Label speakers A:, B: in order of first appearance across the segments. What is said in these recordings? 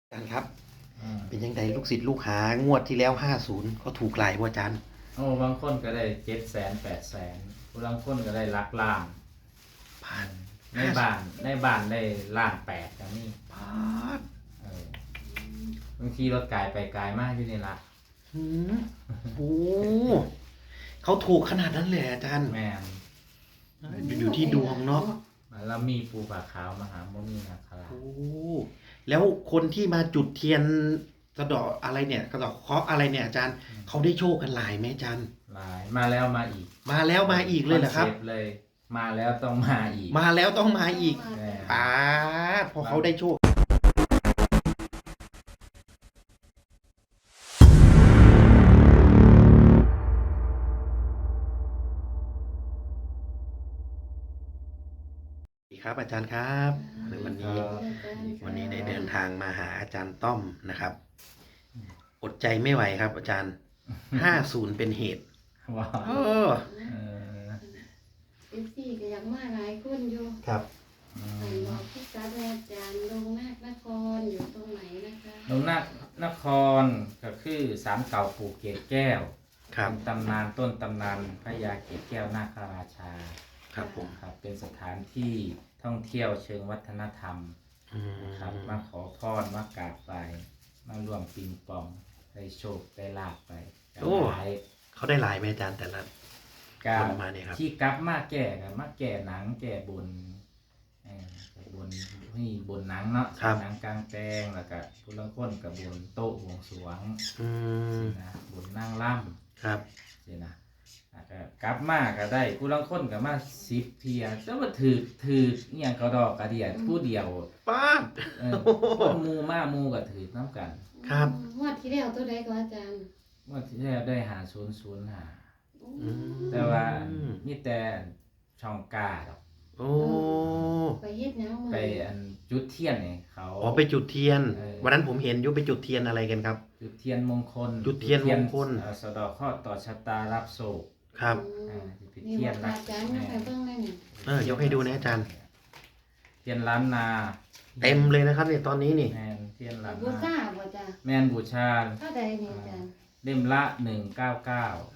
A: อาจารย์ครับเป็นยังไงลูกศิษย์ลูกหางวดที่แล้ว50เขาถูกหลายบ่อาจารย์
B: โอ้บางคนก็ได้700,000 800,000บางคนก็ได้หลักล้าน
A: ผ่าน
B: ในบ้านได้1,800,000อย่างนี้
A: ผ่าน
B: บางทีรถไกลไปไกลมากอยู่นี่ละ
A: หืมโอ้เขาถูกขนาดนั้นเลยอาจารย์
B: แม่น
A: อยู่ที่ดวงเนาะ
B: แล้วมีปูผาขาวมหาโมนีนาคราช
A: โอ้แล้วคนที่มาจุดเทียนสะเดาะอะไรเนี่ยสะเดาะเคราะห์อะไรเนี่ยอาจารย์เขาได้โชคกันหลายไหมอาจารย์
B: หลายมาแล้วมาอีก
A: มาแล้วมาอีกเลยเหรอครับ
B: เลยมาแล้วต้องมาอีก
A: มาแล้วต้องมาอีก
B: อ่า
A: พอเขาได้โชคครับอาจารย์ครับวันนี้ได้เดินทางมาหาอาจารย์ต้อมนะครับอดใจไม่ไหวครับอาจารย์50เป็นเหตุ
B: ว้า
A: เอ
B: ว
C: FC ก็อยากมาหลายคนอยู่
A: ครับ
C: บอกพี่กัดอาจารย์ลงนาคนครอยู่ตรงไหนนะคะ
B: ลงนครก็คือศาลเก่าปู่เกศแก้ว
A: ครับ
B: ตำนานต้นตำนานพระยาเกศแก้วนาคราชา
A: ครับผม
B: ครับเป็นสถานที่ท่องเที่ยวเชิงวัฒนธรรมครับมาขอพรมากราบไปมาร่วมปิงปองได้โชคได้ลาภไป
A: โอ้เขาได้หลายไหมอาจารย์แต่ละคนมาเนี่ยครับ
B: ที่กลับมาแก่กันมาแก่หนังแก่บนบนนี่บนหนังเนาะหนังกลางแปลงแล้วก็ผู้ละคนกับบนโต๊ะบวงสรวงนะบนนั่งล่
A: ำครับ
B: สินะกลับมาก็ได้ผู้ละคนกับมา10 เที่ยแต่ว่าถือเนี่ยกระดอกกระเดียดผู้เดียว
A: ป้า
B: คนมูก็ถือน้ำกัน
A: ครับ
C: งวดที่แล้วตัวใดก็อาจารย์
B: งวดที่แล้วได้5005แต่ว่ามีแต่ช่องกาดอก
A: โอ้
C: ไปเฮ็ดหยัง
B: ไปจุดเทียนเนี่ยเขา
A: ไปจุดเทียนวันนั้นผมเห็นอยู่ไปจุดเทียนอะไรกันครับ
B: จุดเทียนมงคล
A: จุดเทียนมงคล
B: สะเดาะเคราะห์ต่อชะตารับโศก
A: ครับ
C: เทียนอาจารย์มาไปเบิ่งได้นี่
A: ยกให้ดูนะอาจารย์
B: เทียนล้านนา
A: เต็มเลยนะครับเนี่ยตอนนี้นี่
B: แมนเทียนล้านนา
C: บูชาบ่จ้ะ
B: แมนบูชา
C: เท่าใดนี่อาจารย์
B: เล่มละ199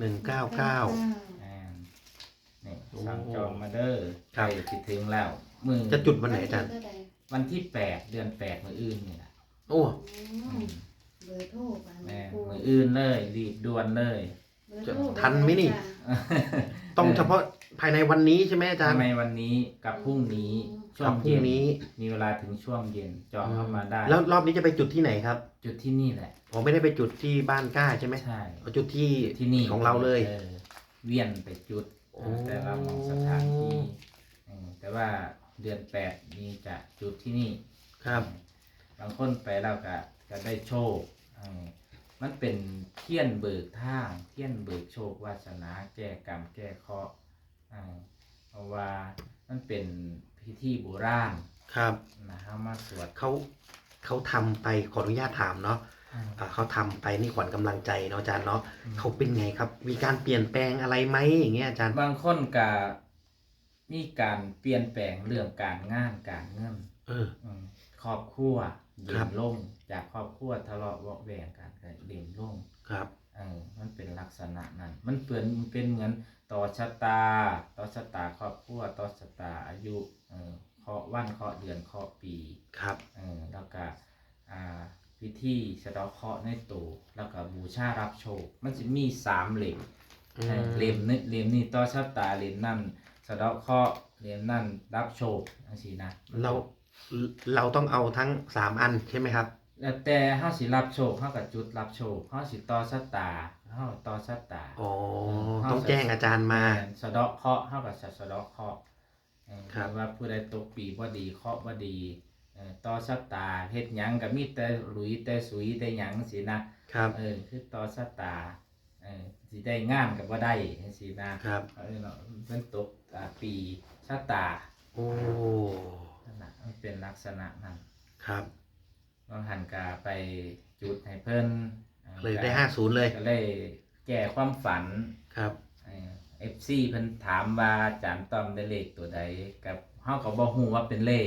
B: นี่สั่งจองมาเด้อใกล้สิถึงแล้วมือ
A: จะจุดวันไหนอาจารย์
B: วันที่8 เดือน 8มื้ออื่นนี่ล่ะ
A: โอ้
C: เบอร์โทร
B: แม่มื้ออื่นเลยรีบด่วนเลย
A: ทันไหมนี่ต้องเฉพาะภายในวันนี้ใช่ไหมอาจารย์
B: ภายในวันนี้กับพรุ่งนี้ช่วงเย็นมีเวลาถึงช่วงเย็นจองเข้ามาได้
A: แล้วรอบนี้จะไปจุดที่ไหนครับ
B: จุดที่นี่แหละ
A: ผมไม่ได้ไปจุดที่บ้านกล้าใช่ไหม
B: ใช่
A: จุดที่นี่ของเราเลย
B: เวียนไปจุดแต่ละมองสถานที่แต่ว่าเดือน8นี้จะจุดที่นี่
A: ครับ
B: บางคนไปแล้วก็ได้โชคมันเป็นเทียนเบิกทางเทียนเบิกโชควาสนาแก้กรรมแก้เคราะห์เพราะว่ามันเป็นพิธีโบราณ
A: ครับ
B: นะครับมาสวด
A: เขาทำไปขออนุญาตถามเนาะเขาทำไปนี่ขวัญกำลังใจเนาะอาจารย์เนาะเขาเป็นไงครับมีการเปลี่ยนแปลงอะไรไหมอย่างเงี้ยอาจารย์
B: บางคนก็มีการเปลี่ยนแปลงเรื่องการงานการเงินครอบครัวเด่นลงจากครอบครัวทะเลาะเบาะแวงกันเด่นลง
A: ครับ
B: มันเป็นลักษณะนั้นมันเป็นเหมือนต่อชะตาครอบครัวต่อชะตาอายุเคาะวันเคาะเดือนเคาะปี
A: ครับ
B: แล้วก็พิธีสะเดาะเคราะห์ในตัวแล้วก็บูชารับโชคมันจะมี3 เล่มเล่มนี้ต่อชะตาเล่มนั้นสะเดาะเคราะห์เล่มนั้นรับโชคจังซี่นะ
A: เราต้องเอาทั้ง3อันใช่ไหมครับ
B: แล้วแต่เฮาสิรับโชคเฮาก็จุดรับโชคเฮาสิต่อชะตาเฮาต่อชะตา
A: ต้องแจ้งอาจารย์มา
B: สะเดาะเคราะห์เฮาก็สะเดาะเคราะห์ว่าผู้ใดตกปีบ่ดีเคราะห์บ่ดีต่อชะตาเฮ็ดหยังก็มีแต่หลุยแต่สุยแต่หยังสินะครับคือต่อชะตาสิได้งานก็บ่ได้จังซี่นะครับเนาะมันตกปีชะตา
A: โอ้
B: นั่นน่ะมันเป็นลักษณะนั้น
A: ครับ
B: บางหันกาไปจุดให้เพิ่น
A: เลยได้50เลย
B: ก็เลยแก้ความฝัน
A: ครับ
B: FC เพิ่นถามว่าอาจารย์ต้อมได้เลขตัวใดกับเฮาก็บ่ฮู้ว่าเป็นเลข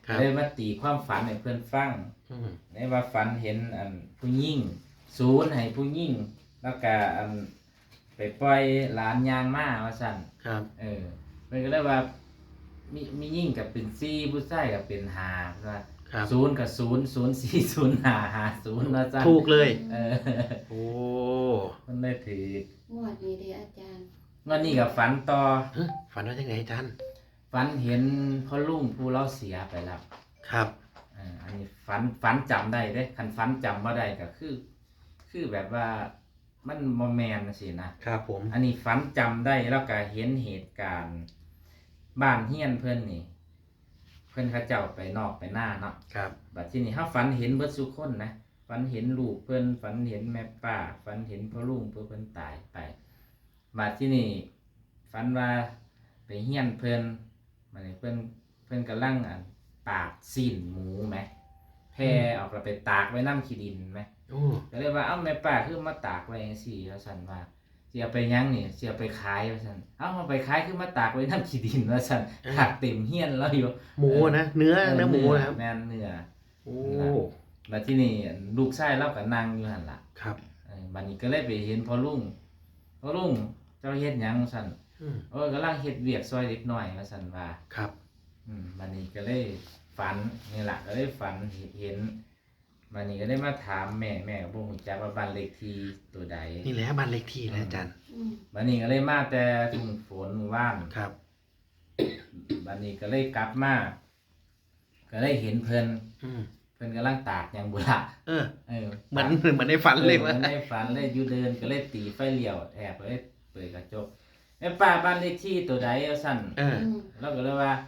A: ครับ
B: เลยมาตีความฝันให้เพื่อนฟัง
A: อืม
B: ในว่าฝันเห็นผู้หญิงศูนย์ให้ผู้หญิงแล้วก็ไปปล่อยหลานยางมาว่าสั่น
A: ครับ
B: เพิ่นก็เลยว่ามียิ่งกับเป็น4ผู้ชายกับเป็น5ว่า
A: ครับ
B: ศูนย์กับ0 0 4 0 5 5 0ว่าสั่น
A: ถูกเลย โอ้
B: มันได้ถือง
C: วดนี้เด้ออาจารย์
B: วันนี้กับฝันต่อ
A: เฮ้ยฝันว่าจังไงอาจารย์
B: ฝันเห็นพ่อลุงผู้เราเสียไปแล้ว
A: ครับ
B: อันนี้ฝันจำได้เด้คันฝันจำบ่ได้ก็คือแบบว่ามันบ่แม่นจังซี่นะครับ
A: ผม
B: อันนี้ฝันจำได้แล้วก็เห็นเหตุการณ์บ้านเฮียนเพิ่นนี่ เพิ่นเขาเจ้าไปนอกไปหน้าเนาะ
A: ครับ
B: บัดทีนี้เฮาฝันเห็นเบิดทุกคนนะฝันเห็นลูกเพิ่นฝันเห็นแม่ป้าฝันเห็นพ่อลุงเพิ่นตายไปบัดทีนี้ฝันว่าไปเฮียนเพิ่นบัดนี้เพิ่นกำลังตากซีนหมูไหมแพร่ออกแล้วไปตากไว้น้ำขี้ดินไหม
A: โอ้
B: ก็เลยว่าเอ้าแม่ป้าคือมาตากไว้จังซี่ว่าซั่นว่าสิเอาไปหยังนี่สิเอาไปขายว่าซั่นเอ้าเอาไปขายคือมาตากไว้น้ำขี้ดินว่าซั่นตากเต็มเฮียนแล้วอยู่
A: หมูนะเนื้อหมูนะครับ
B: แม่นเนื้อ
A: โอ้
B: แล้วที่นี่ลูกชายเราก็นั่งอยู่หั่นล่ะ
A: ครับ
B: บัดนี้ก็เลยไปเห็นพ่อลุงเจ้าเฮ็ดหยังว่าซั่น
A: อืม
B: กำลังเฮ็ดเวียกซอยเล็กน้อยว่าซั่นว่า
A: ครับ
B: บัดนี้ก็เลยฝันนี่ล่ะก็เลยฝันเห็นบัดนี้ก็ได้มาถามแม่ก็บ่ฮู้จักว่าบ้านเลขที่ตัวใด
A: นี่แหละบ้านเลขที่นะอาจารย์
C: อืม
B: บัดนี้ก็เลยมาแต่ทุ่งฝนมื้อวาน
A: ครับ
B: บัดนี้ก็เลยกลับมาก็เลยเห็นเพิ่น
A: อืม
B: เพิ่นกำลังตากหยังบุล่ะ
A: เออ เหมือน
B: ตาก
A: เหมือนในฝันเลย
B: เห
A: ว่า
B: มือนในฝันเลยอยู่เดินก็เลยตีไฟเลี้ยวแอบเลยเปิดกระจกแม่ป้าบ้านเลขที่ตัวใดเอาสั่น
A: เออ
C: อืม
B: แล้วก็เลยว่า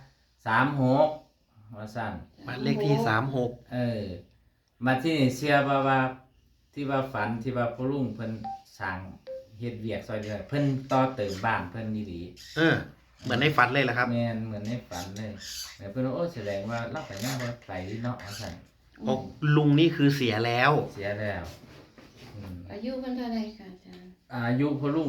B: 36ว่าสั่น
A: บ้านเลขที่36
B: มาที่นี่เชื่อว่าที่ว่าฝันที่ว่าพ่อลุงเพิ่นสร้างเฮ็ดเวียกซอยเดียวเพิ่นต่อเติมบ้านเพิ่นดี
A: เออ เหมือนในฝันเลยแหละครับ
B: แม่นเหมือนในฝันเลยแต่เพิ่นว่าโอ้แสดงว่าเราไปหน้าบ่ไปเนาะว่าสั่น
A: โอ้ลุงนี่คือเสียแล้ว
B: เสียแล้วอืม
C: อายุเพิ่นเท่าไรค่ะอาจารย์
B: อายุพ่อลุง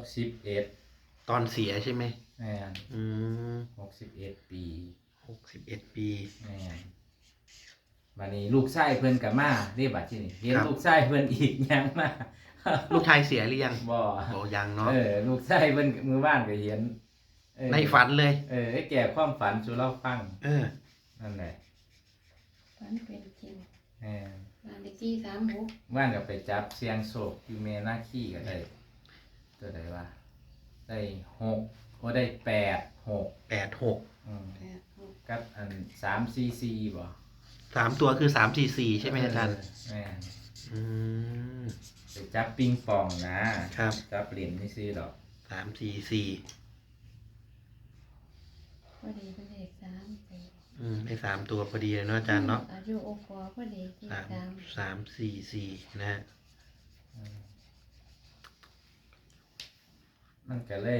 B: 61
A: ตอนเสียใช่ไหม
B: แม่น
A: อืม
B: 61 ปี
A: 61 ปี
B: แม่นบัดนี้ลูกชายเพิ่นก็มาเด้บัดที่นี่เห็น
A: ครับ
B: ลูกชายเพิ่นอีกยังมา
A: ลูกชายเสียหรือยัง
B: บ่
A: โอ้ยังเนาะ
B: ลูกชายเพิ่นมื้อวานก็เห็น
A: ในฝันเลย
B: ไอ้แก่ความฝันสู่เราฟัง
A: เออ
B: นั่นแหละ
C: ฝันเป็นจริง
B: แม่น
C: บ้านเลขที่36
B: ว่านก็ไปจับเสียงโศกอยู่แม่นาคีก็ได้ตัวใดว่าได้6โอ้ได้8
A: 86
B: อืม
C: 86
B: กับ344บ่
A: 3 ตัวคือ344ใช่ไหมอาจารย์
B: แม่น
A: อืม
B: ไปจับปิงปองนะครับ จับเหรียญนี่ซื้อดอก
A: 344
C: พอดีเป็นเลข3ไป
A: ได้3 ตัวพอดีเลยเนาะอาจารย์เนาะ
C: อายุโอปอพอดีที่
A: 344 นะฮะ
B: มันก็เลย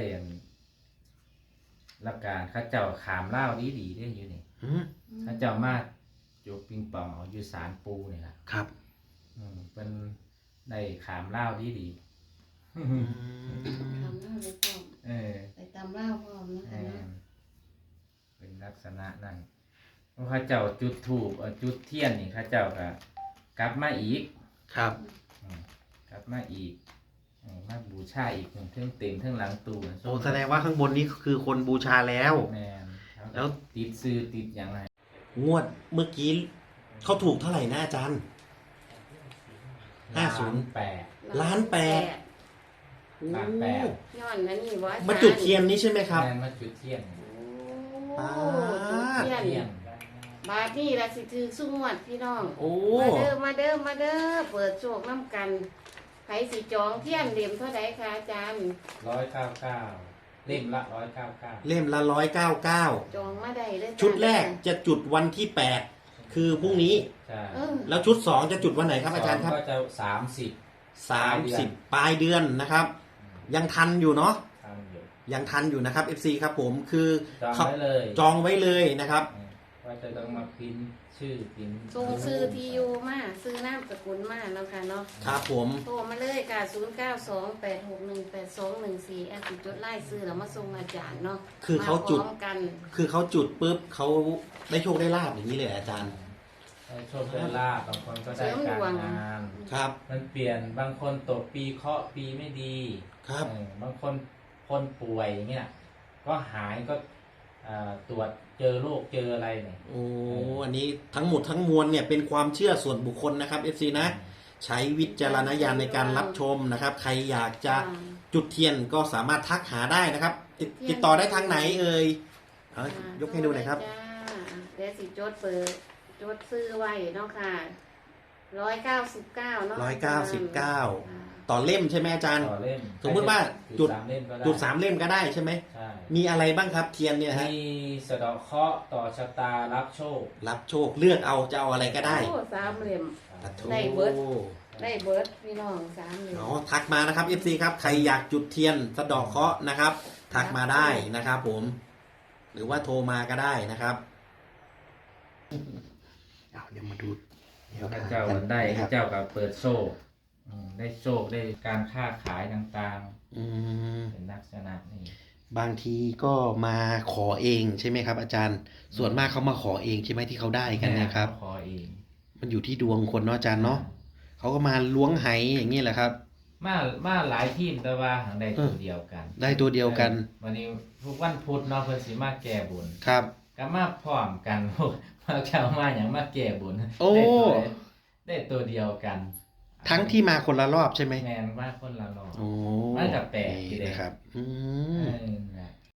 B: รับการเข้าเจ้าขามเล่าวดีได้อยู่นี่
A: อืม
B: เข้าเจ้ามาจูบปิงปองเอาอยู่ศาลปูนี่ล่ะ
A: ครับ
B: เป็นได้ขามเล่าวดี
A: อืม
C: ทำเล่าไปพร้อม
B: เออ
C: ไปตำเล่าพร้อมเนาะ
B: แม
C: ค่ะเนาะ
B: นเป็นลักษณะนั้นเข้าเจ้าจุดธูปจุดเทียนนี่เข้าเจ้าก็กลับมาอีก
A: ครับ
B: กลับมาอีกมาบูชาอีกเทิงเต็มเทิงหลังตู้
A: โอ้แสดงว่าข้างบนนี้คือคนบูชาแล้ว
B: แมน
A: แล้ว
B: ติดซื้อติดอย่างไร
A: งวดเมื่อกี้เขาถูกเท่าไหร่นะอาจารย์
B: 8
A: ล้านแปด โอ้
B: ล้านแปด
C: ย้อนนั่นนี่ว่า
A: มาจุดเทียนนี้ใช่ไหมครับ
B: แมนมาจุดเทียน
C: โอ้จุดเทียน
B: เทียน
C: บาทนี่ละสิถือสุ้งวดพี่น้อง
A: โอ้
C: มาเด้อเปิดโชคน้ำกันไผสิจองเทียนเล่มเท่าใดคะอาจารย์
B: 199เล่มละ199
A: เล่มละ199
C: จองมาได้เลยจ้ะ
A: ชุดแรกจะจุดวันที่ 8 คือพรุ่งนี้
B: ใช่
C: เออ
A: แล้วชุด 2 จะจุดวันไหนครับอาจารย์ครับ
B: ก็จะ30
A: 30 ปลายเดือนนะครับ ยังทันอยู่เนาะ
B: ทำอยู่
A: ยังทันอยู่นะครับ FC ครับผมคือ
B: จอง
A: เขา
B: ไว้เลย
A: จองไว้เลยนะครับ
B: เพว่าจะต้องมาพิมพ์ชื่อพิมพ์
C: ส่งซื้อที่อยู่มาซื้อนามสกุลมาแล้วค่ะเนาะ
A: ครับผม
C: โทรมาเลยค่ะ0928618214แอดสิจดไล่ซื้อแล้วมาส่งอาจารย์เนาะ
A: คือเขาจุด
C: มพร้อมกัน
A: คือเขาจุดปุ๊บเขาได้โชคได้ลาบอย่างนี้เลยอาจารย์
B: ได้โชคได้ลาภบางคนก็ได้การงาน
A: ครับ
B: มันเปลี่ยนบางคนตกปีเคราะห์ปีไม่ดี
A: ครับ
B: บางคนป่วยอย่างเงี้ยก็หายก็ตรวจเจอโรคเจออะไรเนี่ย
A: โอ้อันนี้ทั้งหมดทั้งมวลเนี่ยเป็นความเชื่อส่วนบุคคลนะครับ FC นะ ใช้วิจารณญาณในการรับชมนะครับ ใครอยากจะจุดเทียนก็สามารถทักหาได้นะครับ ติดต่อได้ทางไหนเอ่ยเอายกให้ดูหน่อยครับ
C: จ้าเดี๋ยวสิจดเปิดจดซื้อไว้เนาะค่ะ199เนาะ
A: 199 ต่อเล่มใช่ไหมอาจารย์
B: ต่อเล่ม
A: สมมุติว่าจุด
B: 3เล่มก็ได้
A: จุด3 เล่มก็ได้ใช่ไหม
B: ใช่
A: มีอะไรบ้างครับเทียนเนี่ยฮะ
B: มีสะเดาะเคราะห์ต่อชะตารับโชค
A: รับโชคเลือกเอาจะเอาอะไรก็ได้
C: โอ้3เหลี่ยม
A: ตัดโท
C: ได้เบิด ได้เบิร์ดพี่น้อง3เหลี่ยม
A: อ๋อทักมานะครับ FC ครับใครอยากจุดเทียนสะเดอกเคราะห์นะครับ ทักมาได้นะครับผม หรือว่าโทรมาก็ได้นะครับเอาเดี๋ยวมาดูแนว
B: พระ
A: ทาง
B: เจ้า
A: กัน
B: ได้
A: นะ
B: พ
A: ครั
B: ระ
A: บ
B: เจ้ากับเปิดโชคได้โชคได้การค้าขายต่าง
A: อืม
B: ๆ เป็นลักษณะนี้
A: บางทีก็มาขอเองใช่ไหมครับ อาจารย์ ส่วนมากเขามาขอเองใช่ไหมที่เขาได้กันเนะครับ
B: ขอเอง
A: มันอยู่ที่ดวงคนเนาะอาจารย์เนาะเขาก็มาล้วงไหอย่างนี้แหละครับ
B: มาหลายทีมแต่ว่าหางได้ตัวเดียวกัน
A: ได้ตัวเดียวกัน
B: วันนี้ทุกวันพุธเนาะเพิ่นสิมาแก้บุญ
A: ครับ
B: ก็มาพร้อมกัน พวกมาเจ้ามาอย่างมาแก้บุญ
A: โอ้
B: ได้ตัวเดียวกัน
A: ทั้งที่มาคนละรอบใช่ไหม
B: แมนว่าคนละรอบ
A: โอ้
B: มันก็แปลกอยู่
A: นี่
B: เดะ
A: นะครับ
B: เออ